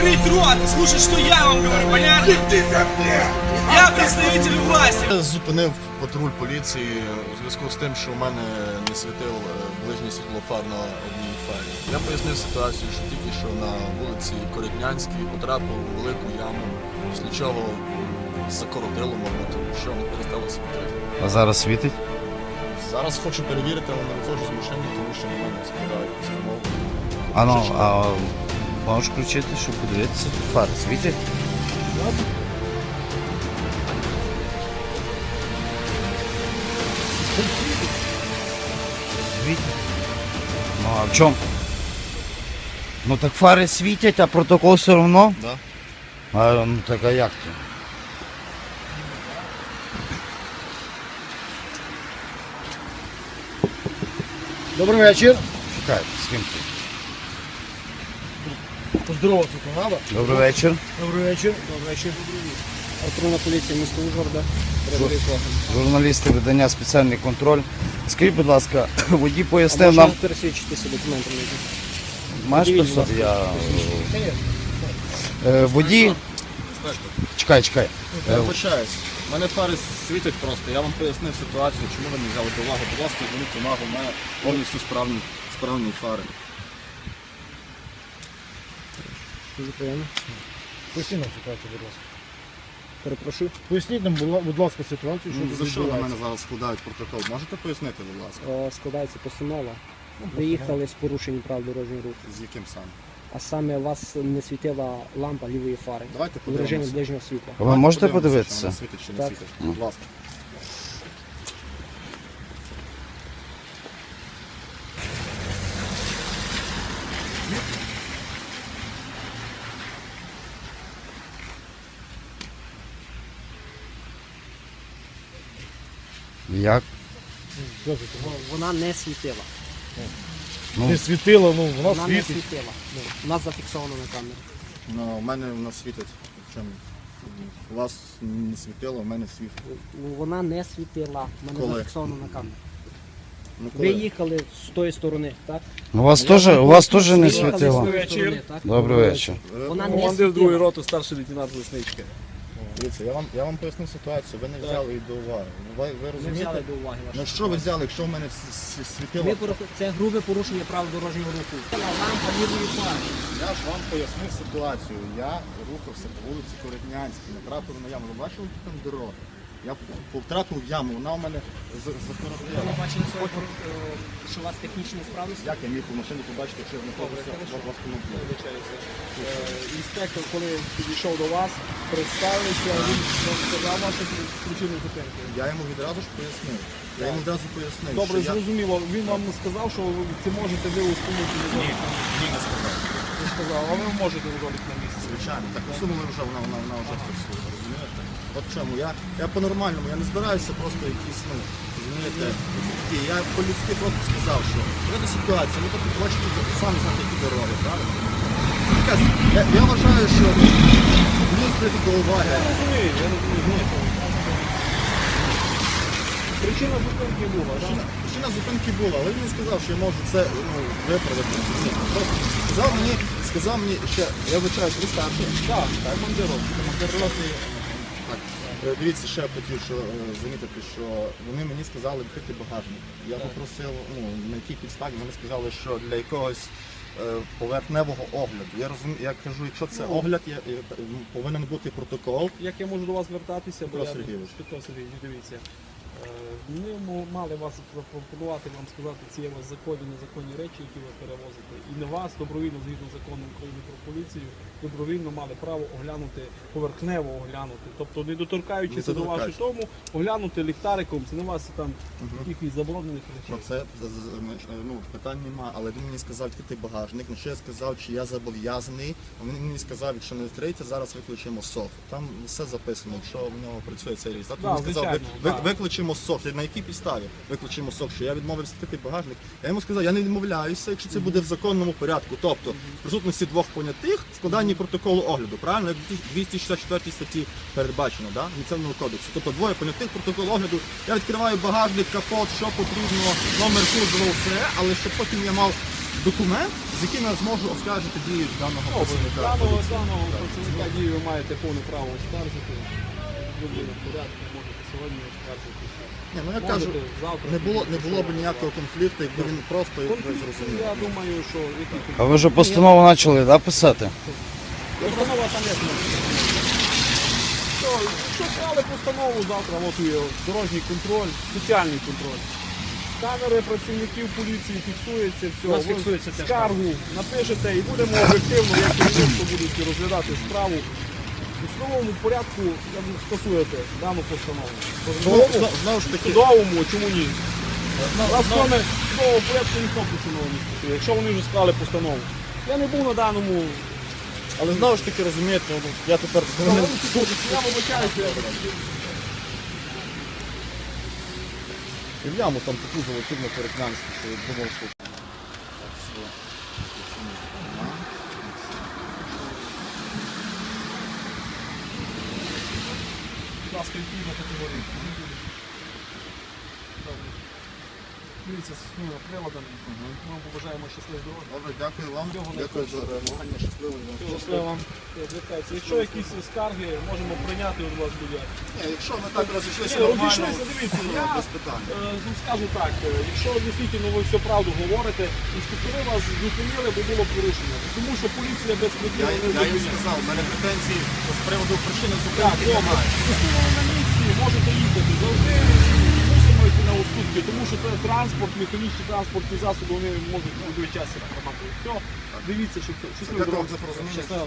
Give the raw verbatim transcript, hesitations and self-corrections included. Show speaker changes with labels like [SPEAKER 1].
[SPEAKER 1] закрыть рот и слушать, что я вам говорю, понятно? Я представитель власти.
[SPEAKER 2] Я зупинив патруль поліції у зв'язку з тим, що в мене не світив ближній світлофар на одній фарі. Я пояснив ситуацію, що тільки що на вулиці Коротнянській потрапив у велику яму, після чого закоротило, мабуть, тому що не перестало світити.
[SPEAKER 3] А зараз світить?
[SPEAKER 2] Зараз хочу перевірити, але не виходжу з машини, тому що на мене складають постанову.
[SPEAKER 3] А ну, а можеш включити, щоб подивитися? Фари світять? Світять. Ну а в чому? Ну так фари світять, а протокол все одно?
[SPEAKER 2] Да.
[SPEAKER 3] А ну так а як то?
[SPEAKER 4] Добрий вечір.
[SPEAKER 3] Чекайте, з ким ти?
[SPEAKER 4] Поздороватися то треба.
[SPEAKER 3] Добрий вечір.
[SPEAKER 4] Добрий вечір. Добрий вечір. Патрульна поліція міста Ужгорода. Передовий Кохан.
[SPEAKER 3] Журналісти видання «Спеціальний контроль». Скажіть, будь ласка, водій
[SPEAKER 4] А
[SPEAKER 3] пояснив
[SPEAKER 4] можна
[SPEAKER 3] нам...
[SPEAKER 4] пересвідчитися документами?
[SPEAKER 3] Маєш
[SPEAKER 4] Подивіть,
[SPEAKER 3] персо-
[SPEAKER 4] будь
[SPEAKER 3] Я...
[SPEAKER 4] ласка.
[SPEAKER 3] Е, Водій... Чекай, чекай.
[SPEAKER 2] Я вибачаюсь. У мене фари світять просто. Я вам пояснив ситуацію, чому ви не взяли до уваги. Будь ласка, зверніть увагу, у мене повністю справні, справні фари.
[SPEAKER 4] Дуже приємно.
[SPEAKER 5] Поясніть нам ситуацію, будь ласка.
[SPEAKER 4] Перепрошую.
[SPEAKER 5] Поясніть нам, будь ласка, ситуацію, що
[SPEAKER 2] Ну,
[SPEAKER 5] тут
[SPEAKER 2] за що на
[SPEAKER 5] відбувається.
[SPEAKER 2] мене зараз складають протокол? Можете пояснити, будь ласка?
[SPEAKER 4] О, складається постанова. Ви їхали з порушенням прав дорожнього руху.
[SPEAKER 2] З яким саме?
[SPEAKER 4] А саме у вас не світила лампа лівої фари.
[SPEAKER 2] Давайте
[SPEAKER 4] В режимі
[SPEAKER 2] подивимося.
[SPEAKER 4] ближнього світла.
[SPEAKER 3] Ви можете
[SPEAKER 2] Подивимося,
[SPEAKER 3] подивитися?
[SPEAKER 2] чи вона світить чи не
[SPEAKER 4] Так.
[SPEAKER 2] світить. Будь ласка.
[SPEAKER 3] Як?
[SPEAKER 5] Слухайте,
[SPEAKER 4] Вона не світила.
[SPEAKER 3] Ну,
[SPEAKER 5] не світило, ну вона
[SPEAKER 4] Вона не
[SPEAKER 5] світить.
[SPEAKER 4] світила. У нас зафіксовано на камері.
[SPEAKER 2] Ну, у мене вона світить. Чому? У вас не світило, у мене світить.
[SPEAKER 4] Ну, вона не світила. У мене
[SPEAKER 2] Коли?
[SPEAKER 4] зафіксовано на камері.
[SPEAKER 2] Ну,
[SPEAKER 4] Ви їхали з тої сторони, так?
[SPEAKER 3] у вас теж, у вас теж не
[SPEAKER 4] Ви їхали з
[SPEAKER 3] світило?
[SPEAKER 4] тої сторони, так?
[SPEAKER 3] Добрий вечір.
[SPEAKER 4] Вона не
[SPEAKER 6] Командир другої
[SPEAKER 4] світила.
[SPEAKER 6] роти, старший лейтенант Лесничка.
[SPEAKER 2] Дивіться, я вам, я вам поясню ситуацію, ви не взяли її до уваги. Ви, ви
[SPEAKER 4] Ми
[SPEAKER 2] розумієте?
[SPEAKER 4] взяли до уваги
[SPEAKER 2] Ну
[SPEAKER 4] вашу.
[SPEAKER 2] що ви взяли, якщо в мене с- с- світило?
[SPEAKER 4] Ми порах- Це грубе порушення правил дорожнього руху. Лампа лівої фари.
[SPEAKER 2] Я ж вам пояснив ситуацію. Я рухався по вулиці Коротнянській, натрапив на яму. Ви бачили, які там дороги? Я потрапив в яму, вона у мене
[SPEAKER 4] Ви
[SPEAKER 2] закоротила.
[SPEAKER 4] не бачили, сьогодні, е, що у вас технічні справності?
[SPEAKER 2] Як я міг у машину побачити, якщо я знаходився в автомобілі?
[SPEAKER 6] Інспектор, коли підійшов до вас, представився, він вам сказав вашу причину зупинки.
[SPEAKER 2] Я йому відразу ж пояснив. Я йому відразу пояснив,
[SPEAKER 6] Добре,
[SPEAKER 2] що я...
[SPEAKER 6] зрозуміло. Він вам не сказав, що ви це можете ви установити недолік?
[SPEAKER 2] Ні, не сказав.
[SPEAKER 6] Не сказав, а ви можете недолік на місці.
[SPEAKER 2] Звичайно, так усунули вже, вона, вона, вона вже працює, розумієте? От в чому, я, я по-нормальному, я не збираюся просто якісь, ну, розумієте, такі. Я по-людськи просто сказав, що в цій ситуації, ви тут бачите, ви самі знаєте, які дороги, правильно? Це така, я, я вважаю, що мені прийти до уваги.
[SPEAKER 6] Я розумію, я розумію. Причина зупинки була, так?
[SPEAKER 2] Причина, причина зупинки була, але він не сказав, що я можу це ну, виправити. Ні, просто сказав мені, сказав мені, що я вибачаюсь, ви старший.
[SPEAKER 6] Так, так, командир роти. Командир роти.
[SPEAKER 2] Так. Е, Дивіться, ще я хотів що, е, замітити, що вони мені сказали відкрити багажник. Я попросив, ну, на якій підставі, вони сказали, що для якогось е, поверхневого огляду. Я розумію, я кажу, якщо це огляд, я, я, ну, повинен бути протокол.
[SPEAKER 6] Як я можу до вас звертатися? Бо
[SPEAKER 2] Петро
[SPEAKER 6] я-
[SPEAKER 2] Сергійович.
[SPEAKER 6] Петро Сергійович, дивіться. Е, Ми м- мали вас запропонувати, вам сказати, ці є у вас законні, незаконні речі, які ви перевозите. І не вас добровільно, згідно закону України про поліцію, добровільно мали право оглянути, поверхнево оглянути. Тобто не доторкаючись
[SPEAKER 2] Не
[SPEAKER 6] до вашого
[SPEAKER 2] доторкаючись.
[SPEAKER 6] тому, оглянути ліхтариком, це не вас там якихось заборонених
[SPEAKER 2] Про
[SPEAKER 6] речей.
[SPEAKER 2] це з- з- ну, питань немає, але він мені сказав відкрити багажник. На що я сказав, чи я зобов'язаний. Він мені сказав, якщо не відкриєте, зараз виключимо СОФ. Там все записано, якщо в нього працює цей реєстр.
[SPEAKER 6] Да,
[SPEAKER 2] Він сказав, ви,
[SPEAKER 6] звичайно,
[SPEAKER 2] ви,
[SPEAKER 6] да.
[SPEAKER 2] виключимо СОФ. На якій підставі виключимо СОФ, що я відмовився відкрити багажник. Я йому сказав, я не відмовляюся, якщо це буде в законному порядку. Тобто, в присутності двох понятих, складанні протоколу огляду, правильно? Як в двісті шістдесят четвертій статті передбачено, да? Адміністративного кодексу. Тобто двоє понятих, протокол огляду. Я відкриваю багажник, капот, що потрібно, номер кузова, все, але щоб потім я мав документ, з яким я зможу оскаржити дії даного працівника.
[SPEAKER 6] Даного даного працівника дії ви маєте повне право оскаржити. Буде в порядку, можете сьогодні оскаржити.
[SPEAKER 2] Ні, ну я
[SPEAKER 6] Можете
[SPEAKER 2] кажу,
[SPEAKER 6] завтра.
[SPEAKER 2] не було, не було б ніякого конфлікту, якби він просто ви
[SPEAKER 6] Конфлікт,
[SPEAKER 2] зрозуміли.
[SPEAKER 6] я думаю, що який
[SPEAKER 3] А ви вже постанову почали, да, писати?
[SPEAKER 6] постанова там як написано. Що, Якщо склали постанову завтра, от є дорожній контроль, спеціальний контроль. Камери працівників поліції фіксується, все.
[SPEAKER 4] У нас
[SPEAKER 6] Ви
[SPEAKER 4] фіксується теж
[SPEAKER 6] скаргу напишете і будемо об'єктивно, як керівництво будуть розглядати справу. У судовому порядку як ви скасуєте дану постанову. В
[SPEAKER 2] Знову,
[SPEAKER 6] судовому,
[SPEAKER 2] знову- знову ж
[SPEAKER 6] в
[SPEAKER 2] таки,
[SPEAKER 6] судовому, чому ні? Нас кроме судового порядку ніхто постанову не скасує, якщо вони вже склали постанову. Я не був на даному.
[SPEAKER 2] але знову ж таки розумієте, ну, я тепер
[SPEAKER 6] Я вибачаюся, я
[SPEAKER 2] і в яму там таку залетів на Перекнянську, що я думав, що...
[SPEAKER 6] Будь ласка, відповідно категорії. Дивіться з ну, приладами. Ми вам побажаємо щасливої дороги.
[SPEAKER 2] Добре, дякую вам.
[SPEAKER 6] Всього
[SPEAKER 2] Дякую за реагування. Щасливої вам.
[SPEAKER 6] Щасливо вам. Звертайтеся. Якщо якісь скарги, можемо прийняти у вас буде.
[SPEAKER 2] Ні, якщо ми так розійшлися
[SPEAKER 6] Ні,
[SPEAKER 2] нормально,
[SPEAKER 6] розійшлися, дивіться,
[SPEAKER 2] я
[SPEAKER 6] я-
[SPEAKER 2] без питань.
[SPEAKER 6] Е, ну, Скажу так, е, якщо дійсно ви всю правду говорите, інспектори вас зупинили, бо було порушення. Тому що поліція без
[SPEAKER 2] Я,
[SPEAKER 6] прикладу не
[SPEAKER 2] я їм
[SPEAKER 6] зупиняє.
[SPEAKER 2] сказав, у мене претензії з приводу причини
[SPEAKER 6] Так,
[SPEAKER 2] зупинки
[SPEAKER 6] добре.
[SPEAKER 2] немає.
[SPEAKER 6] Якщо ви на місці, можете їхати. Завжди мусимо йти на уступки, тому що це транспорт, механічні транспортні засоби, вони можуть у будь-який час потрапити. Все, дивіться, що все. Щасливо.
[SPEAKER 2] Дякую вам за порозуміння.
[SPEAKER 6] Щасливо.